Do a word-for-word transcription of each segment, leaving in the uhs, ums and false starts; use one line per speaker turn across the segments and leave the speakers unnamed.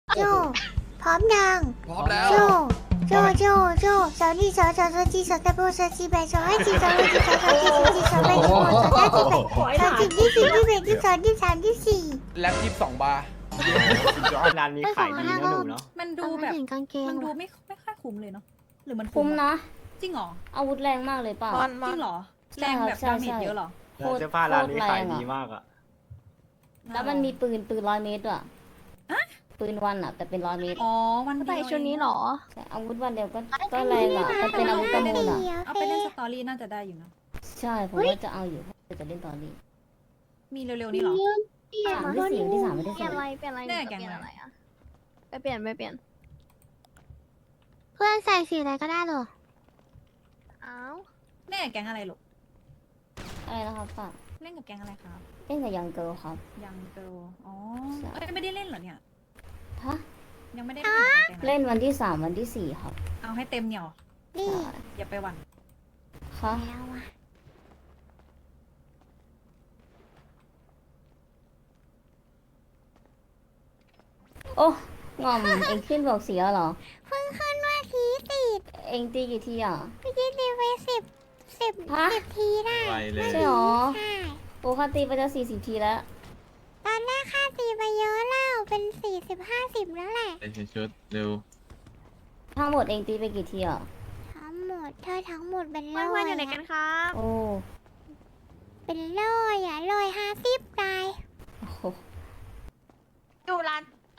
โจพร้อมยัง
พร้อมแล้ว
โจโจโจโจสาวนี่สาวสาวสาวจีสาวตะโบสาวจีแบสาวให้จีสาวให้จีสาวสาวจีสาวจีสาวแบสาวสาวจีแบสาวจีที่สี่ที่แบที่สองที่สามที่สี่
แล็ปยี่สิบสองบาร์
ร้านนี้ขายดีนะหนูเนาะ
มันดูแบบ
กางเกง
มันดูไม่ไม่ค่อยคุ้มเลยเนาะหรือมัน
คุ้มนะ
จริงเหรอ
อาวุธแรงมากเลยเปล่า
จริงเหรอแรงแบบ
ใช่
ดาเม
ใช่
จเยอะเหรอ
โคตร
เสื้อผ้าร้านนี้
โคตรแรง
ขาย
อะ
ดีมากอ่ะ
แล้วมันมีปืนปืนร้อยเมตรด้วยปืนวันอะแต่เป็นร้อยเมตร
อ๋อวันเดี
ใส่
ยว
ชุดนี้เหรอ
ใช่อาวุธวันเดียวก็ก็แรงอะมันเป็นอาวุธประมูลอะ
เอาไปเล่นสตอรี่น่าจะได้อยู่นะ
ใช่ผมว่าจะเอาอยู่จะเล่นตอนนี้
มีเร็วๆนี้เหรอ
สามที่สี่ที่สามไม่ได้
เปลี่
ใส่
ยนอะไรเปลี่ยนอะไร
แน่
หนู
แก
จะ
ง
เปลี่ยน
อะไร
อะไรอะไปเปลี่ยนไปเปลี่ยน
เพื่อนใส่สีอะไรก็ได้หรอ
อ้าว
แน่แกงอะไรลูก
อะไรนะครับป้า
เล่นกับแกงอะไรครับ
เล่นกับยังเกิลครับ
ยังเกิลอ๋อ
ใช่
เอ้ยไม่ได้เล่นเหรอเนี่ย
ฮะ
ยังไม่ได้เล่นกับแกงอะไร
เล่นวันที่สามวันที่สี่ครับ
เอาให้เต็มเหนียว
นี่
ใช่
อย่าไปหวั่น
ค่ะ
แล้วอะ
โอ้งอมเองขึ้นบอกเสียเหรอ
เพิ่งขึ้นว่าทีสิบ
เองตีกี่ทีอ่ะ
เมื่อกี้ตีไปสิบสิบ
ฮะ
สิบทีได้
ไปเลย
ใช่หรอ
ใช่
ปกติไปจะสี่สิบทีแล้ว
ตอนแรกค่าตีไปเยอะแล้วเป็นสี่สิบห้าสิบแล้วแหละ
ไปชุดเร็ว
ทั้งหมดเองตีไปกี่ทีอ่ะ
ทั้งหมดเธอทั้งหมดเป็น
เพื่
ร้
อ
อน ย
ๆอยู่ไหนกันครับ
โอ้
เป็นร้อยอ่ะร้อยห้าสิบได้
โอ้โห
อยู่ร้าน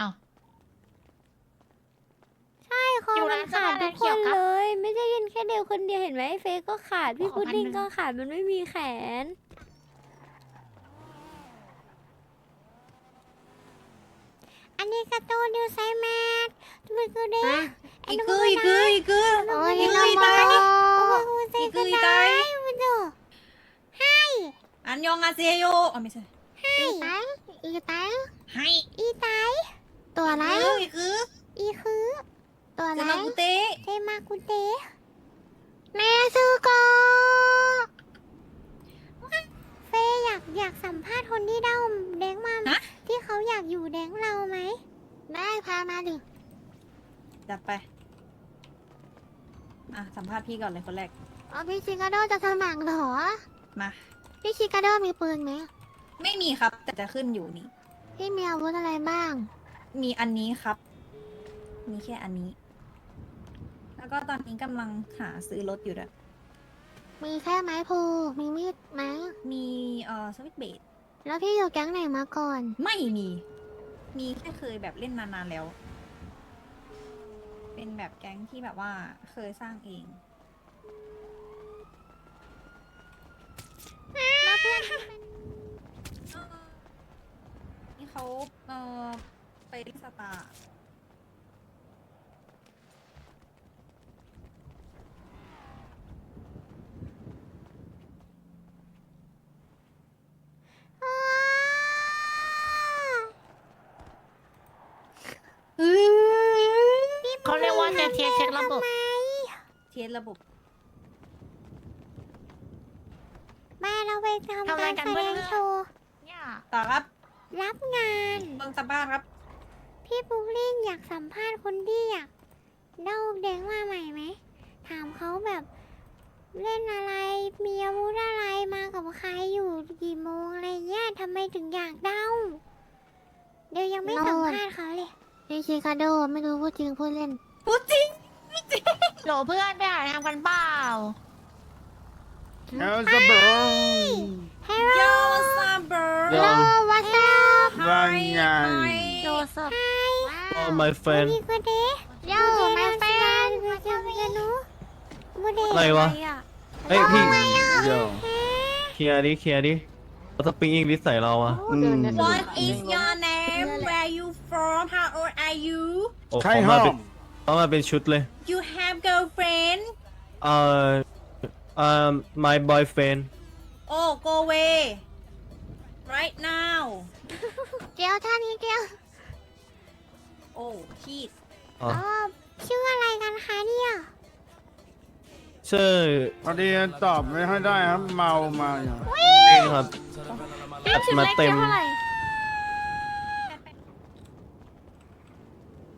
ใช่คอ
อยู่
มั
ร้าน น
ขาด
เสื้
ทุ
อก ผ้า
คน
ร้านเขียวครับ
เลย ไม่ใช่ยินแค่เดียวคนเดียวเห็นไหมเฟยก็ขาด พี่
ขอ
พุดดิ้ง
พันหนึ่ง
ก็ขาดมันไม่มีแขน อันนี้กระตูนดูไซแมทมันคือเด็ก
อีกคืออีกคืออีกคือ
โอ้ย
อีก
น้
คือ
อง
อี
บอ
ตาย
โอ้ยไซ
อีกคื
ก็
ออี
ได้
ตาย
มันดูให้
อันยองอาเซโยอ๋อไม่ใช่
ให้อีไต
ให้
อีไตตัวอะไร
อีกคือ
อีคือ ตัวอะ
เซ
ไร
มากุเตะ
เทมากุเตะแม่ซื้อก่เฟยอยากอยากสัมภาษณ์คนที่เด้าแดงมาที่เขาอยากอยู่แดงเราไหม ได้พามาดิ
จัดไป อ่ะ สัมภาษณ์พี่ก่อนเลยคนแรก
อ๋อพี่ชิคาโดจะสมัครเหรอ
มา
พี่ชิคาโดมีปืนไหม
ไม่มีครับ แต่จะขึ้นอยู่นี่
พี่มีอาวุธอะไรบ้าง
มีอันนี้ครับ มีแค่อันนี้ แล้วก็ตอนนี้กำลังหาซื้อรถอยู่ด้วย
มีแค่ไม้พลูมีมีดไหม
มีเอ่อสวิตช์เบด
แล้วพี่อยู่แก๊งไหนมาก่อน
ไม่มี มีแค่เคยแบบเล่นนานๆแล้ว เป็นแบบแก๊งที่แบบว่าเคยสร้างเอง
แล้วเพื่อน
นี่เขาเอ่อไปเล่นสตาร์
เขาเรียกว่าเช็คเช็คเช็คระบบ
เทสระบบ
แม่เราไปทำ
ทำอะไร
การ
กัน
แส
เพื่
ด
อน
งโชว์
เนี่ย
ต่อครับ
รับงาน
เมืองสบ้านครับ
พี่ปุ๊กลิ่งอยากสัมภาษณ์คนที่อยากเล่าแดงมาใหม่ไหม ถามเขาแบบเล่นอะไร มีอาวุธอะไรมากับใครอยู่กี่โมงอะไรเงี้ยทำไมถึงอยากเล่าเดี๋ยวยังไม่สัมภาษณ์เขาเลยพี่ชิคาโดไม่รู้พูดจริงพูดเล่น
พูดจริง
โหลเพื่อนไปหาทำกันเปล่า
เอลซาเบอร์
ฮัลโหล
โยซาเบอร์
โย
ฮัลโหลวัสดุ
ว่าไง
โจเซฟ
Oh my friend
มีคนเดโย่มาแฟนมาเจอกันนูโมเดล
อะไรวะ
อ่ะ
เฮ้ยพี่เดี๋ยวเคลียร์ดิเคลียร์ดิเราสปริงอิงลิสใส่เราอะอืม
What is your name Where you from How old are you
โอ้เขามาเป็นเขามาเป็นชุดเลย
You have girlfriend
เอ่อเอ่อ my boyfriend
Oh go away right now
เกียวท่านี้เกียว
Oh cheese
อ๋อ
อ๋อชื่ออะไรกันคะเนี่ย
ชื่อ
พอดีตอบไม่ค่อยได้ครับ เมามาอย่าง
เองครับ
เอ๊ะชุด
มา
เล็ก
เต็ม
เท่าไหร่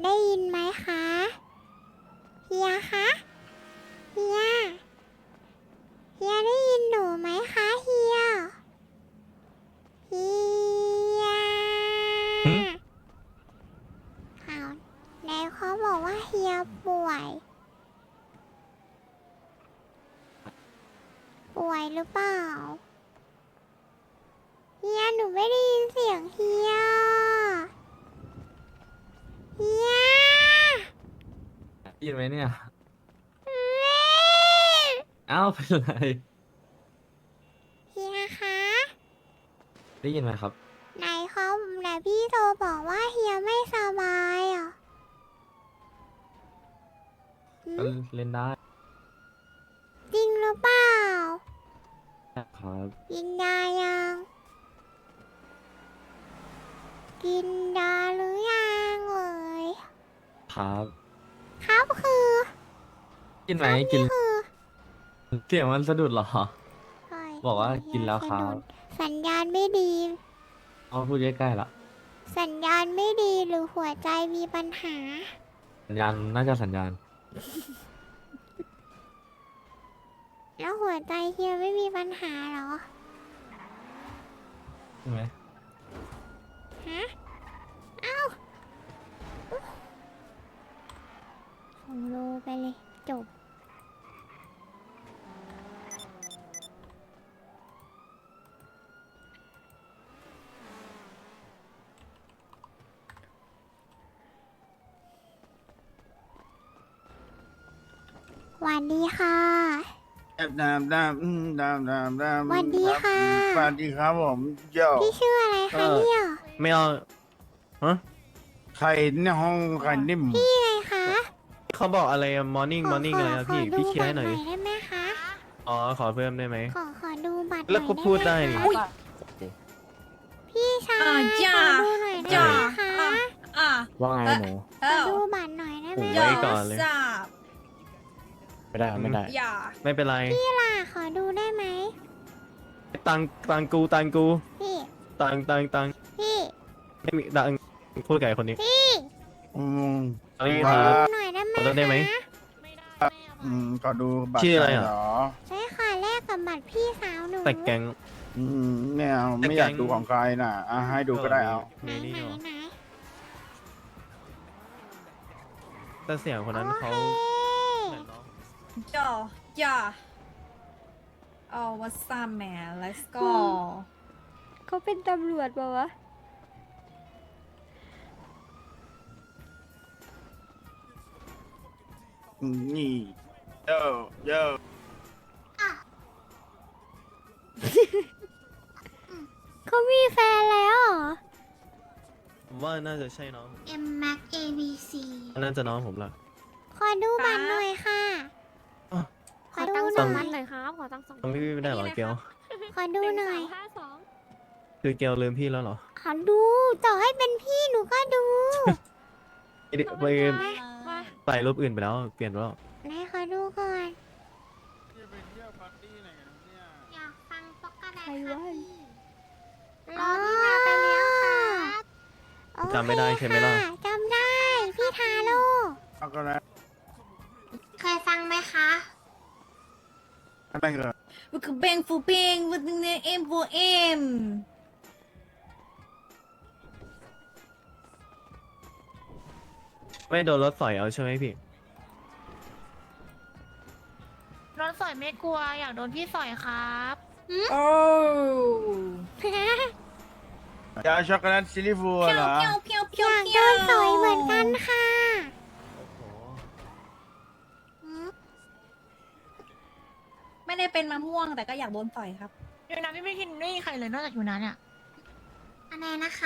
ได้ยินไหมคะเฮียคะเฮียเฮียได้ยินหนูไหมคะเฮียเฮีย
หึ
อ้าวไหนเขาบอกว่าเฮียป่วย ป่วยหรือเปล่าเฮียหนูไม่ได้ยินเสียงเฮียเฮีย
ได้ยินไหมเนี่ย เอ้าเป็นไร
เฮียคะ
ได้ยินไหมครับ
ไหนเขาไหนพี่โตบอกว่าเฮียไม่สบายอ่ะหื
ก็
ม
เล่นได้
จริงหรือเปล่า
ครับ
กินยายัง กินยาหรือยังเอ่ย
ครับ
ครับคือ
กินไหมกิน
คือ
เสียงมันสะดุดเหรอ
เฮ้ย
บอกว่ากินแล้วครับ
สัญญาณไม่ดี
เอาพูดใกล้ๆละ
สัญญาณไม่ดีหรือหัวใจมีปัญหา
สัญญาณน่าจะสัญญาณ
แล้วหัวใจเฮียไม่มีปัญหาเหรอ
ใช่ไหม
ฮะ เอ้าส่งโลไปเลย จบ หวันดีค่ะ
ดามดามดามอืมดามดามดาม
สวัสดีค่ะ
สวัสดีครับผมโย่
พี่ชื่ออะไรคะเนี่ย
ไม่เอาฮะ
ไข่ในห้องไข่นิ่ม
พี่ไงคะ
เขาบอกอะไรมอร์นิ่ง
ข
มอร์นิ่งอะไรอะพี่
ขอ
พี่เคลียร์ให้หน่อย
ดู
ดิ
บัตรได้ไหมคะ
อ๋อ ขอเพิ่มได้ไหม
ขอขอดูบัตร
แล้วก็
หน่อย
พูดได้
หม
นี่
คะพี่ชาย
อ่าจ้า
ขอดูหน่อยได้
จ้า
ไหมคะ
อ่ะอ่ะ
ว่าไงหนู
ขอดูบัตรหน่อยได้ไหม
โอ้
คะ
ไว้ก่อนเลย
ทราบ
ไม่ได้ไม่ได้
อย่า
ไม่เป็นไร
พี่ล่ะขอดูได้ไหม
ตังตังกูตังกู
พี่
ตังตังตัง
พี่
ไม่มีตังพูดกับไอ้คนนี้
พี่
อืม
อันนี้
ค
ค
รั
รับ
หน่อยได้ไหม
ขอดูได้ไหม
คะ
อืมก็ดูบัตร
ชื่ออะไรอ่ะ
เหรอ
ใช่ค่ะแลกกับบัตรพี่สาวหนู
แต่แกง
อืมไม่เอา
แต่
ไม่อยาก
แก๊ง
ดูของใครน่ะอ่ะให้ดูก็ได้เอา
ไหน
นี่
ไหน
นี่เหรอ
ไหน
แต่เสียงคนนั้นเขา
โอเค
เหมือนน้อง
อย่าอย่าเอา what's up man let's go
เขาเป็นตำรวจปะวะ
อืมนี่โย่โย่
เขามีแฟนแล้วเหรอ
ผมว่าน่าจะใช่น้อง
M Max A B C
น่าจะน้องผมละ
ขอดูบัตรหน่อยค่ะ
อ่ะ
ขอดู
ตั้ง
ห
ส
น่
อ
อง
พัน
ย
หน่อยครับ ขอตั้งสอง
ต้องพี่ไม่ได้เหรอเกล
ขอดูหน่อย
คือเกลลืมพี่แล้วเหรอ
ขอดู ต่อให้เป็นพี่หนูก็ดู
ไปดิไปใส่รูปอื่นไปแล้ว เปลี่ยนไปแล้ว
ไหนขอดูก่อน
จะไปเที่ยวปาร์ตี้ไหนกันเนี่ย
อยากฟังปกติ
ใครวะ
รอพี่มาไปแล้วครับโอเค
จำไม่ได้ใช่ไหมล่ะ
ค่จำได้ พี่ทาโร่
เอาก็แล้ว
เคยฟังไหมคะ
ไม่เกิด
วิกเบงฟูเบงวิกเนเอ็มฟูเอ็ม
ไม่โดนรถสอยเอาใช่ไหมพี่
รถสอยไม่กลัว อยากโดนพี่สอยครับ
โอ้
ยาช็อกโกแลตซิลลิฟู
เพี
เหร
ยว
อ
เพียวเพียว
อ
เพียวย
ากโดนสอยเหมือนกันค่ะ
ไม่ได้เป็นมะม่วงแต่ก็อยากโดนต่อยครับ
อยู่นะพี่ไม่คิดไม่มีใครเลยนอกจากอยู่นะเนี่ย
อะไรนะคะ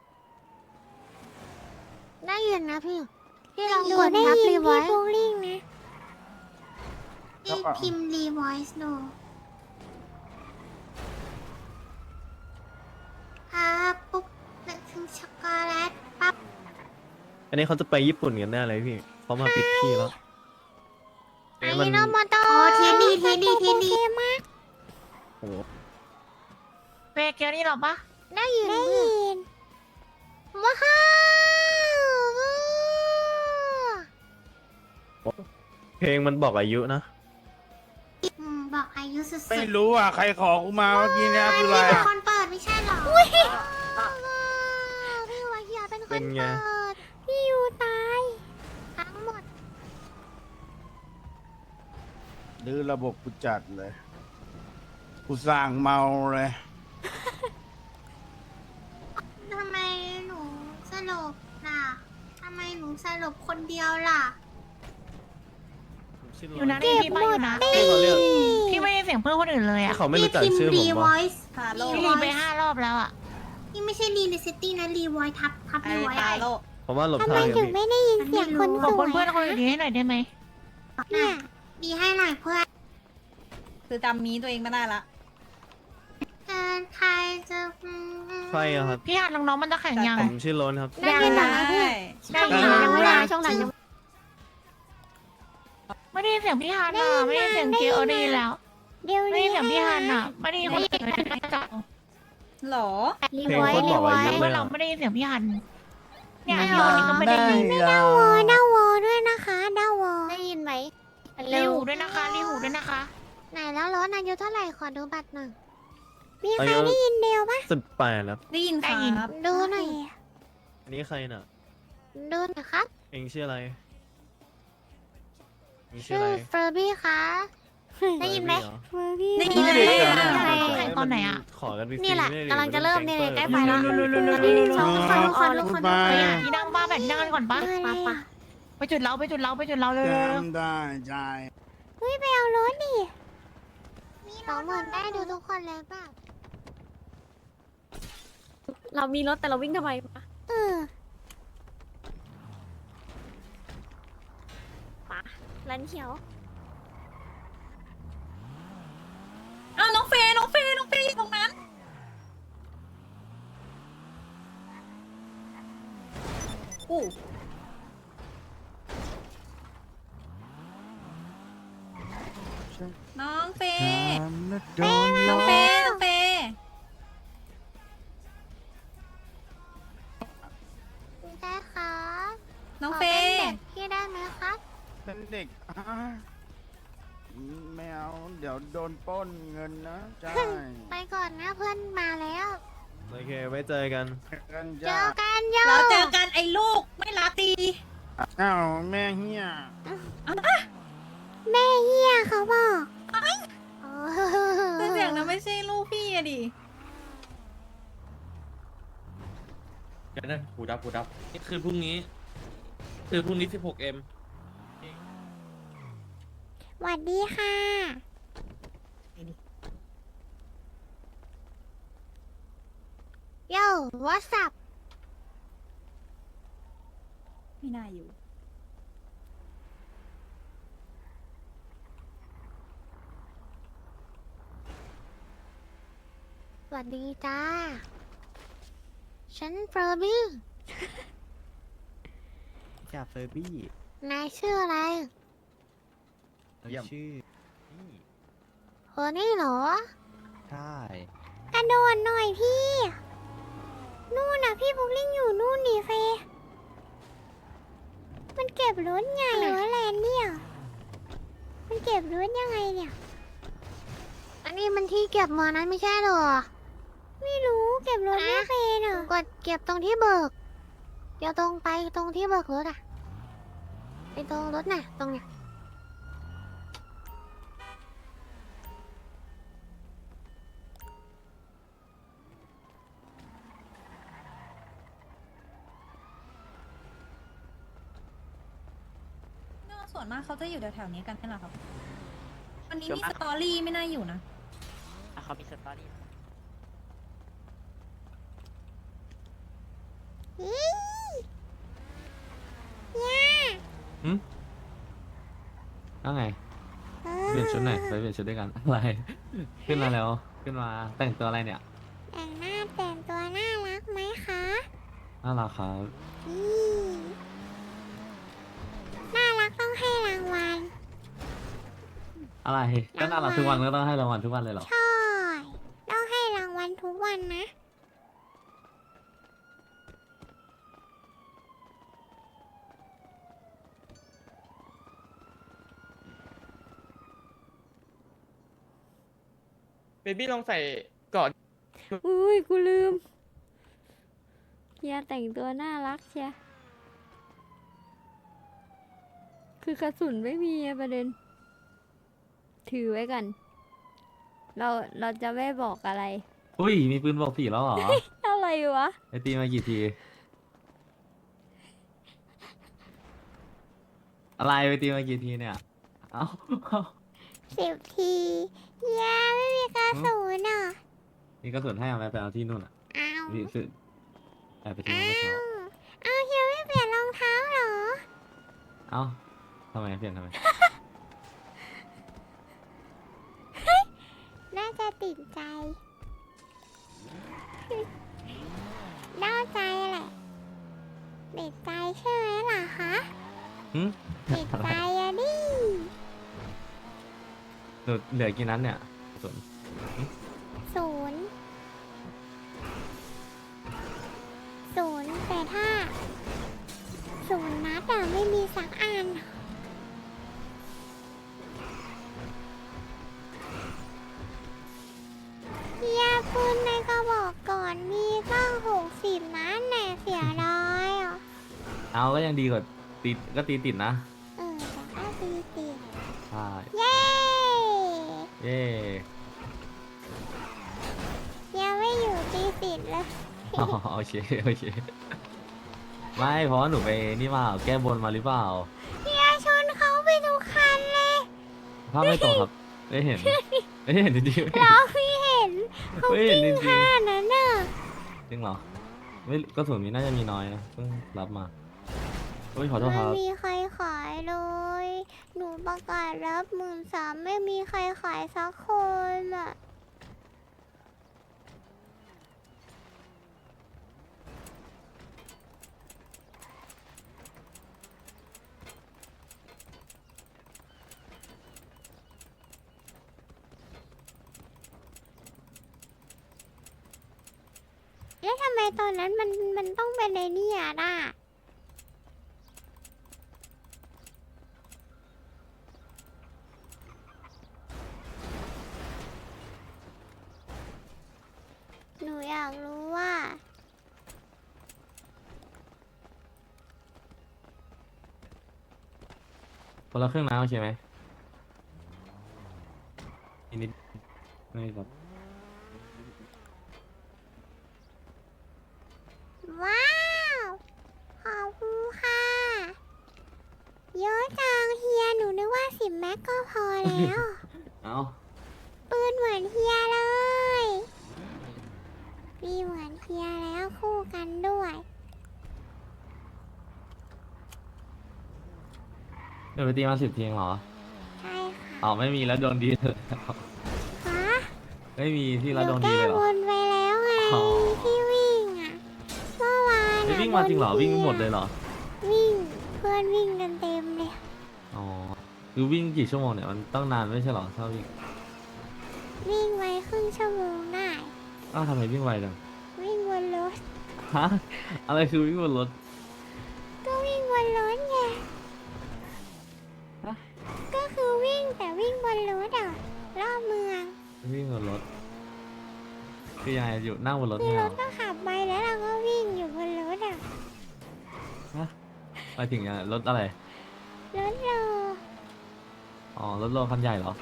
ได้ยินนะพี่ พี่ลอง
หนู
กด
ได้
ทับ
ยิน
รี
พี่
ไว้
บูลลิงนะ
แล้วก็
พิมพ์รีไวซ์ดูครับปุ๊บนึกถึงช็อกโกแลตปั๊บ
อันนี้เขาจะไปญี่ปุ่นกันแน่เลยพี่ เขามาปิดที่แล้ว
ไอ้
มัน
โนโมโตโอ้ทีดีทีดีทีดีมาก
โอ้โห
เปเกียวนี่หรอปะ
ได้ยินได้ยินว้าว
เพลงมันบอกอายุนะ
อืมบอกอายุสุดๆ
ไม่รู้อ่ะ ใครขอกูมาเมื่อกี้เนี่ยคืออะไร
พี่เป็น
อ่ะ
คนเปิดไม่ใช่เหรออุ้ยพี่วาเฮียเป็นค
เป็น นไง
เปิดพี่ยูตายทั้งหมด
ดื้อระบบกูจัดเลย กูสั่งเมาเลย
ทำไมหนูสลบล่ะทำไมหนูสลบคนเดียวล่ะ
อยู่นะได้ยินพี่ป้าอยู่นะ
ที่เขาเรียก
พี่ไม่ได้เสียงเพื่อนคนอื่นเลย
ที่
อ่ะ
เขาไม่รู้จักชื่อผมว่า
ฮาโล
พี่รีไปห้ารอบแล้วอ่ะ
นี่ไม่ใช่รีในซิตี้นะรีไวท์ทับทับ
ไอ
รีไวท์
ฮาโล
ผมว่าหลบ
ทำ
ทา
ไม
งอย่าง
ถึง
พี่
ไม่ได้ยินเสียงคนส
ขอบ
ว
คุณ
ย
เพื่อนคนอื่นให้หน่อยได้ไหม
เนี่ยดีให้หน่อยเพื่อน
คือจำมีตัวเองไม่ได้ละ
เออใครจะอืม
ใครอะครับ
พี่หัดน้องๆมันจะแข่งยัง
ผมชื่อโลนครับ
ได้ยินเหรอ
ได้
เพื่อน
ได้
ช่อง
ยิน
หลัง
ยัง
เว
ไม่
ลา
ได้
ช่องหลังยัง
ไม่ได้ยินเสียงพี่ฮัน
ได้
อ่ะ
ยิน
ไม่ได้ยินเสียง
ได้
เก
ยิน
ลได้ยินแล้ว
เดี๋ยว
ไม่ได้
นี้
ยินเสียงพี่ฮันอ่ะไม่ได้ยินคนอื่นเลยจัง
หรอ
รี
เพลง
ไว
โค
ท์
ตร
รี
บอก
ไว
อายุ
ท์
เลย
เรา
อะ
ไม่ได้ยินเสียงพี่ฮันเนี่ย
ไม่
พี่
หรอ
คนนี้ก็ไม่ได้ยิน
ดาววอดาววอด้วยนะคะดาววอได้ยินไหม
รีหูด้วยนะคะรีหูด้วยนะคะ
ไหนแล้วรถอายุเท่าไหร่ขอดูบัตรหน่อยมีใครได้ยินเดียวปะ
สิบแปดแล้ว
ได้ยินครับ
ดูหน่อย
อันนี้ใครน่ะ
ดูหน่อยครับ
เองชื่ออะไรเองชื่อ
ชื่อ
อะไร
เฟอร์บี้คะได้ยินไหม
เฟอร์บี้เรอ
เฟอร์บี้
ได้ยินเลย
ใคร
แข่งตอนไหนอะ
ขอกันฟรีๆ
นี่แหละ
ไม่ได้
กำลังจะเริ่มเนี่ยใกล้ไป
แล้
แล้ว
ๆ
สองคนทุกคนทุกคน
พูด
ไป
มา
หาที่นั่งบ้าแบบที่นั่งกันก่อนปะ
มาปะ
ไปจุดเราไปจุดเราไปจุดเราเลย
จำได้ใจ
เฮ้ยไปเอารถดิสองหมื่นได้ดูทุกคนเลยป่ะ
เรามีรถแต่เราวิ่งทำไมปะ
เออ
ปะร้านเขียว
อ้าวน้องเฟย์น้องเฟย์น้องเฟย์อยู่ตรงนั้นอู้น้องเฟย์น้องเฟย์น้องเฟย์
ได้ครับ
น้อง
ข
เฟ
ป็น
ย์
ด็กพี่ได้ไหมครับ
เป็นเด็กอ่ะไม่เอา เดี๋ยวโดนปล้นเงินนะใช่
ไปก่อนนะเพื่อนมาแล้ว
โอเคไว้เจอกัน
กัน
เจ
จ้า
อกันโย
เราเจอกันไอ้ลูกไม่รักดี
อ้าวแม่เฮีย
แม่เฮียเขาบอกโอ้
คือเสียงนั้นไม่ใช่ลูกพี่อะดิ
เดี๋ยวนะหูดับหูดับนี่คือพรุ่งนี้ คือพรุ่งนี้ สิบหกเอ็ม
สวัสดีค่ะโย่ what's up
ไม่น่าอยู่
สวัสดีจ้า ฉันเฟอร์บี้
จ่าเฟอร์บี้
นายชื่ออะไร
ชื่อ
เออนี่เหรอ
ใช่
กระโดดหน่อยพี่ นู่นน่ะพี่บุ๊กลิงอยู่นู่นดิเฟย์มันเก็บรถไงเหรอแลนเนี่ย มันเก็บรถยังไงเนี่ย อันนี้มันที่เก็บเมืองนั้นไม่ใช่เหรอ ไม่รู้เก็บรถไม่เป็นเหรอกดเก็บตรงที่เบิก เดี๋ยวตรงไปตรงที่เบิกรถอะไปตรงรถน่ะ ตรงเนี้ย
ส่วนมากเขาจะอยู่แถวๆนี้กันใช่ไหมครับ วันนี้มีสตอรี่ไม่น่าอยู่นะ
เขามีสตอรี่
อีย่า
ว่าไง
เอ
เปลี่ยนชุดไหนอยไปเปลี่ยนชุดด้วยกัน อะไร ขึ้นมาแล้ว ขึ้นมาแต่งตัวอะไรเนี่ย
แต่งหน้าแต่งตัวน่ารักไหมคะ
น่ารักครับ
อีน่ารักต้องให้รางวัล
อะไร ก็น่ารักทุกวันก็ต้องให้รางวัลทุกวันเลยเหรอ
ใช่ ต้องให้รางวัลทุกวันนะ
อ
บบี้ลองใส่ก่อน
อุ้ย กูลืมเฮียแต่งตัวน่ารักเชียคือกระสุนไม่มีอะประเด็น ถือไว้กัน เราเราจะไม่บอกอะไร
อุ้ย มีปืนบอกผีแล้วเหรอ
อะไรวะ
ไอตีมากี่ที อะไรไปตีมากี่ทีเนี่ย เอ้า
สิบทีเฮียไม่มีกระสุนอ่ะ
มีกระสุนให้เอาไปไปเอาที่นู่นอ่ะ
อ้าว
นี่คือแอบไปทิ้ง
อ้า
ไว้เช้าว
อ้าวเฮียไม่เปลี่ยนรองเท้าเหรอ
เอ้าทำไมเปลี่ยนทำไม
น่าจะติดใจ เล่าใจแหละ ติดใจใช่ไหมล่ะคะ
หึ
ติดใจอะดิ
หนูเหลือกี่นัดเนี่ยกระสุน
ศูนย์ ศูนย์แต่ถ้า ศูนย์นัดอะไม่มีสักอัน เฮียปืนในกระบอกก่อนมีตั้งหกสิบนัดแน่เสียดายอ่ะ
เอาก็ยังดีกว่าตีก็ตีติดนะ
เออแต่ก็ตีติด
ใช่
เย้
เย่
ยังไม่อยู่ตีติดเลย
อ๋อโอเคโอเค ไม่เพราะว่าหนูไปนี่มาแก้บนมาหรือเปล่า
เฮียชนเขาไปทุกคันเลย
ภาพไม่ตรงครับ ไม่เห็น ไม่เห็นจริงๆ
เราไม่เห็นเขา
ไม่เห็นจริง
ขนาดนั้นน่ะ
ๆจริงเหรอ ไม่กระสุนมีน่าจะมีน้อยนะเพิ่งรับมาโอ้ยขอโทษค
ไม่
รับ
มีใครขายเลย หนูประกาศรับหมื่นสามไม่มีใครขายสักคนอ่ะ แล้วทำไมตอนนั้นมันมันต้องเป็นในนี่อ่ะน่ะหนูอยากรู้ว่า
คนละเครื่องน้ำโอเคไหมอีกนิดไม่ครับ
ว้าว ขอบคุณค่ะ เยอะจังเฮียหนูนึกว่าสิบแม็กก็พอแล้ว
เอา
ปืนเหมือนเฮียเลย มีเหมือนเฮียแล้วคู่กันด้วย
เดี๋ยวไปตีมาสิบทีเองเหรอ
ใช่ค่ะ
อ๋อไม่มีแล้วโดนดีเลย
ฮะ
ไม่มีที่
ห
แล้วโด
นู
นดี
แก้
เลยเหร
บ
อน
ไปแล้วไง
อ๋อ
ที่วิ่งอ่ะ เมื่อวาน
ไม่
อะ
วิ่งมาจริงเหรอ
โดน
วิ่งไม่หมด
ที
เลยเหรอ
วิ่งเพื่อนวิ่งกันเต็มเลย
อ๋อคือวิ่งกี่ชั่วโมงเนี่ยมันต้องนานไม่ใช่เหรอถ้าวิ่ง
วิ่งไว้ครึ่งชั่วโมงได้
อ้าวทำไมวิ่งไวจัง
วิ่งบนรถ
ฮะอะไรคือวิ่งบนรถ
ก็วิ่งบนรถไง
ฮะ
ก็คือวิ่งแต่วิ่งบนรถอ่ะรอบเมือง
วิ่งบนรถคือยังไงอยู่นั่งบนรถ
คือ
เนี่ย
ร
เหร
ถ
อ
ก็ขับไปแล้วเราก็วิ่งอยู่บนรถอ่ะ
ฮะไปถึงยังไงรถอะไร
รถโล
อ๋อรถโลคันใหญ่เหรอ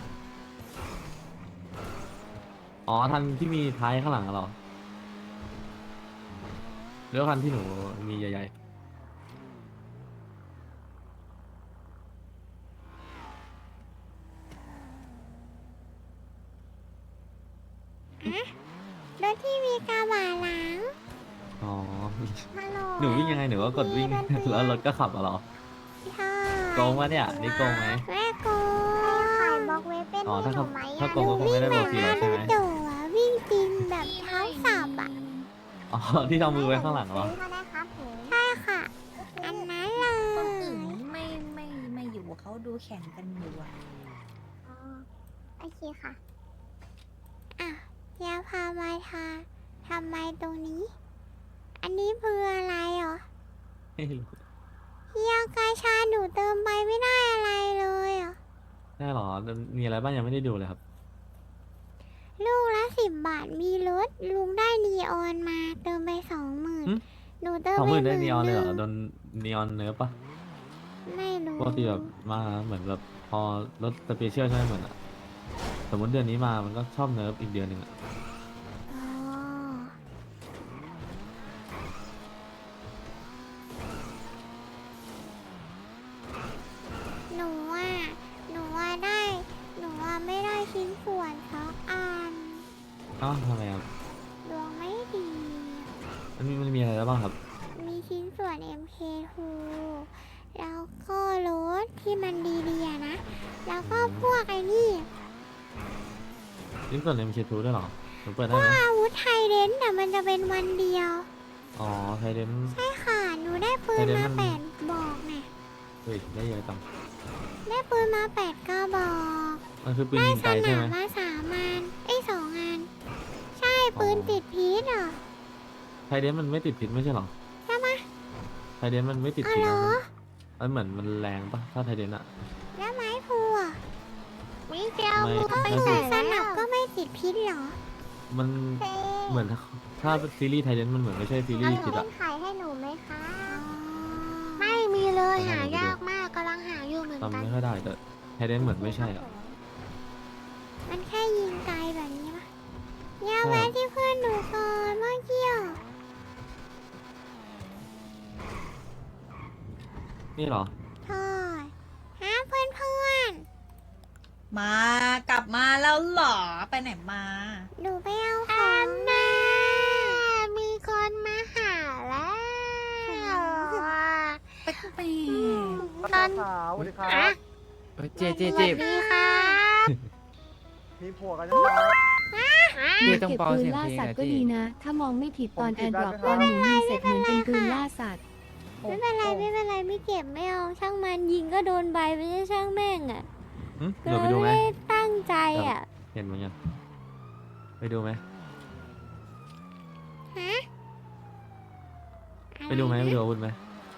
อ๋อทันที่มีท้ายข้างหลังอะเหรอหรือว่าคันที่หนูมีใหญ่
รถที่มีกระบะหลัง
ๆอ๋อ
ฮัลโหล
หนูวิ่งยังไงหนูก็กดวิ่ง
มีดนตรี
แล้วรถก็ขับอะเหรอ
ใช่
โกงวะเนี่ยนี่โกงไหม
แม่โกงขายบล็อกเว็บเป็น
อ๋อถ้า
หนู
เขา
ไหม
ถ้า
อะ
โกงก็คงไม่ได้บอกทีหรอกใช่ไหม
วิ่งแบบนารูโตะอะวิ่งจริงแบบเท้าสับอ่ะ
อ๋อที่ทำมือไว้ข้างหลังเหรอ
ใช่ค่ะ อันนั้นเล
คนอื่น
ย
ไม่ไม่ไม่อยู่เขาดูแข่งกันอยู่อะ
อ๋อโอเคค่ะ อ่ะยาพามาทาทำไมตรงนี้ อันนี้เพื่ออะไรเหรอ
ไม่รู้
เฮียกาชาหนูเติมไปไม่ได้อะไรเลยเหรอ
ได้เหรอมีอะไรบ้างยังไม่ได้ดูเลยครับ
สิบบาทมีรถลุงได้นีออนมาเติมไปสองหมื่น
หึ
หนูเติม
สอง
ไป
หมื่น
ห
ได้
มื่น
นีออนเลยเหรอ
หนึ่ง
โดนนีออนเนิร์ฟปะ
ไม่รู้
ปกติแบบมาเหมือนแบบพอรถสเปเชียลใช่ไหมเหมือนอะสมมติเดือนนี้มามันก็ชอบเนิร์ฟอีกเดือนหนึ่งอะ
อ๋อหนูว่าหนูว่าได้ หนูว่าไม่ได้ชิ้นส่วนสักอัน
อ้าวทำไมครับ
ดวงไม่ดี
มันมีมันมีอะไรแล้วบ้างครับ
มีชิ้นส่วน เอ็ม เค ทู แล้วก็รถที่มันดีๆอะนะ แล้วก็พวกไอ้นี่
นี่เปิดเอ็มเคทูด้วยเหรอหนูเปิดได้
พว
ไห
ก
ม
อาวุธไทยเดนแต่มันจะเป็นวันเดียว
อ๋อไทเดน
ใช่ค่ะ หนูได้ปืน
ไทยเดน
มา
มัน
แปดบอกน่ะ
เฮ้ยได้เยอะจัง
ได้ปืนมาแปดกระบอก
มันคือปืน
ได้
ยิง
ส
ไกลใช่
นา
ไห
ม
ม
มาสามอันไอ้ยสองอัน ใช่ปืน
อ๋อ
ติดพิษเหรอ
ไทเดนมันไม่ติดพิษไม่ใช่เหรอ
ใช่ไหม
ไทเดนมันไม่ติด
อ๋อ
พิษ
เหร
นะ
อ
มันเหมือนมันแรงปะถ้าไทเดนอะ
แล้วไม้พลูอ่ะ
มิเกล
ไม่
มึงก็ไป
ไม่
ใส่
ส
แล้
นับ
ว
ก็ไม่ติดพิษเหรอ
มันเหมือนถ้าซีรีส์ไทเดนมันเหมือนไม่ใช่ซีรีส์พิษอะ
ขายให้หนูไหมคะ
ไม่มีเลย
ไม่
หา
ไม่
ยากมากกำลังหาอยู่เหมือน
จำ
กัน
ไม่ค่อยได้แต่ไทเดนเหมือนไม่ใช่อะ
มันแค่ยิงไกลแบบนี้ปะเนี่ย
ใช่
แวะที่เพื่อนหนูก่อนเมื่อกี้อ่ะ
นี่เหรอ
ใช่ฮะเพื่อนเพื่อน
มากลับมาแล้วเหรอ ไปไหนมา
หนูไปเอาของมา
มีคนมาหาแล้ว
ไปไป
ตอน
สาวสวัสดีครั
อะ
บเจเจ
ส
เจ
วัสดีครับ
มีผัวกันยังครับ พี่ต้อง
เก็บ
เบา
ปื
เสี
น
ยง
ล่า
เพลง
สัต
หน่อย
ว์ก็
พี่
ดีนะ ถ้ามองไม่ผิดตอน
ผม
แอ
เก็บ
ร์ดรอป
ได้
ตอน
ไหม
หนูยิงเสร็จเหมือนเป็นปืนล่าสัตว์
ไม่เป็นไรไม่เป็นไรไม่เก็บไม่เอาช่างมันยิงก็โดนใบไม่ใช่ช่างแม่งอ่ะ
หึเดี๋ยวไปดูไหม
ไม่ได้ตั้งใจอ่ะ
เห็นเหมือนกันไปดูไหม
ฮะ
ไปดูไหมไปดูอาวุธไหม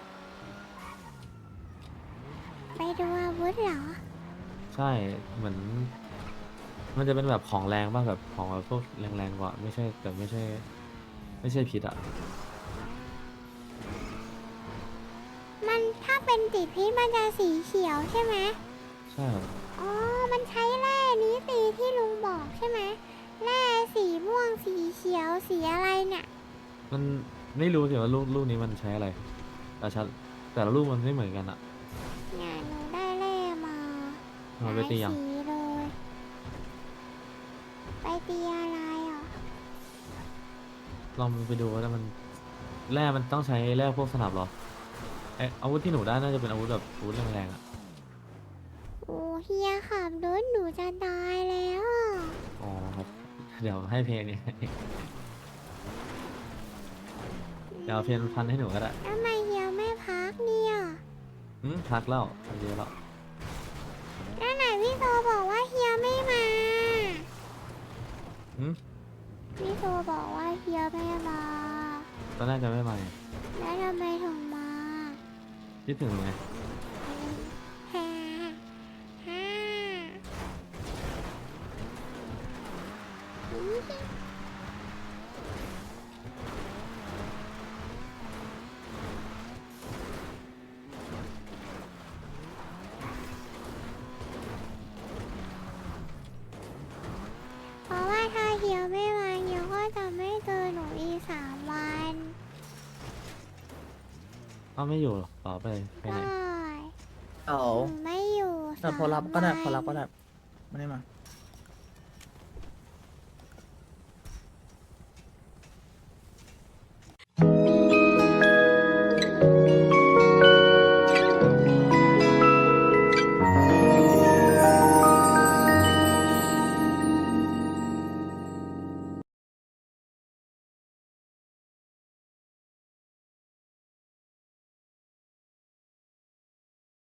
ไปดูอาวุธเหรอ
ใช่เหมือน มันจะเป็นแบบของแรงป่ะแบบของแบบพวกแรงๆกว่าไม่ใช่แต่ไม่ใช่ ไม่ใช่พิษอะ
มันถ้าเป็นติดพิษมันจะสีเขียวใช่ไหม
ใช่เหรอ
อ๋อ มันใช้แร่นี้ตีที่ลุงบอกใช่ไหมแร่สีม่วงสีเขียวสีอะไรเนี่ย
มันไม่รู้สิว่าลูกลูกนี้มันใช้อะไรแต่ชัดแต่ละลูกมันไม่เหมือนกันอะ
เนี่ยหนูได้แร่มา
เอาไปตียัง
หลายสีเลย ไปตีอะไรอ่ะ
ลองไปดูว่ามันแร่มันต้องใช้แร่พวกสนับเหรอเอยอาวุธที่หนูได้น่าจะเป็นอาวุธแบบอาวุธแรงๆอะ
โอ้เฮียขับรถหนูจะตายแล้วอะ
อ๋อครับเดี๋ยวให้เพลงนี้ เดี๋ยวเอาเพลงพันให้หนูก็ได้
ทำไมเฮียไม่พักเนี่ย
อืมพักแล้วพักเยอะแล้ว
แล้วไหนพี่โตบอกว่าเฮียไม่มา
อืม
พี่โตบอกว่าเฮียไม่มา
ตอนแรกจะไม่มาไง
แล้วทำไมถึงมา
คิดถึงไง
ฮ่าฮ่าเพราะว่าถ้าเฮียไม่มาเฮียก็จะไม่เจอหนูอีกสามวัน
อ้าวไม่อยู่หรอต่อไปไปไหน
ได้
เอา
หนูไม่อยู่
แต่พอรับก็ได้พอรับก็ได้
สามวัน
ไม่ได้มา